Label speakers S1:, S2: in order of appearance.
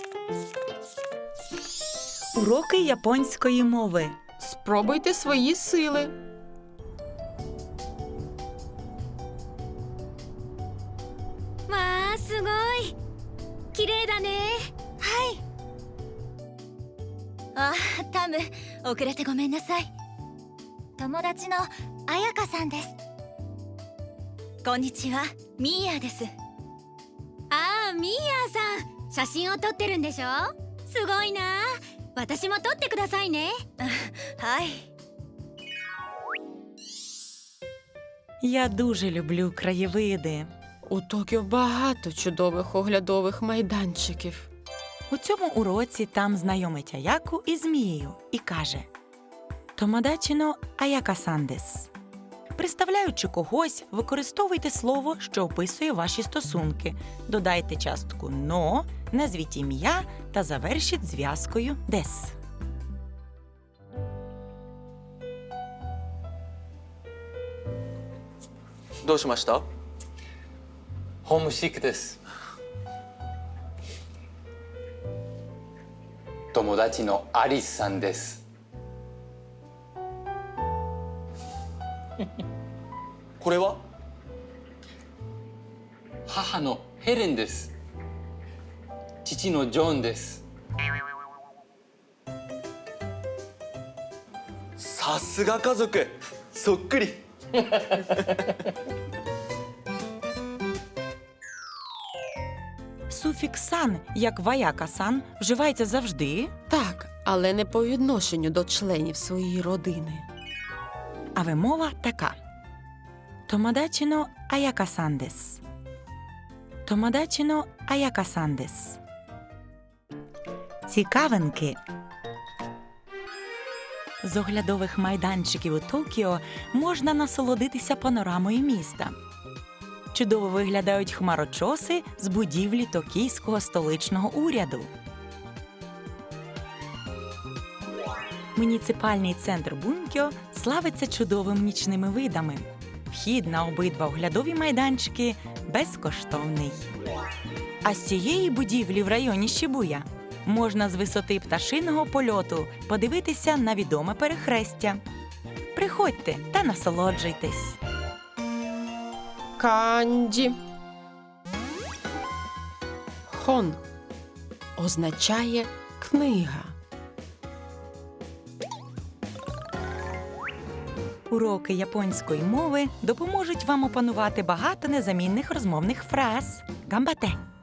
S1: Уроки японської мови.
S2: Спробуйте свої сили.
S3: Ва, すごい。綺麗だね。はい。あ、タム、遅れてごめんなさい。友達の彩香さんです。こんにちは、ミーヤです。ああ、ミーヤさん、写真を撮ってるんでしょ？すごいな。私も撮ってくださいね。はい。
S1: Я дуже люблю краєвиди.
S2: У Токіо багато чудових оглядових майданчиків.
S1: У цьому уроці там знайомить Аяку із Мією і каже «Томодачі-но Аяка-сан дес». Представляючи когось, використовуйте слово, що описує ваші стосунки. Додайте частку «но», назвіть ім'я та завершіть зв'язкою «дес».
S4: どうしました？
S5: ホームシックです。友達のアリスさんです。
S4: これは？
S5: 母のヘレンです。父のジョンです。
S4: さすが家族、そっくり。
S1: Суфікс «сан», як «ваяка-сан», вживається завжди,
S2: Так, але не по відношенню до членів своєї родини.
S1: а вимова така «Томодачі-но Аяка-сан дес». «Томодачі-но Аяка-сан дес». Цікавинки. З оглядових майданчиків у Токіо можна насолодитися панорамою міста. Чудово виглядають хмарочоси з будівлі токійського столичного уряду. Муніципальний центр Бункьо славиться чудовими нічними видами. Вхід на обидва оглядові майданчики безкоштовний. А з цієї будівлі в районі Шібуя можна з висоти пташиного польоту подивитися на відоме перехрестя. Приходьте та насолоджуйтесь!
S2: Канджі. Хон означає книга.
S1: Уроки японської мови допоможуть вам опанувати багато незамінних розмовних фраз. Гамбате!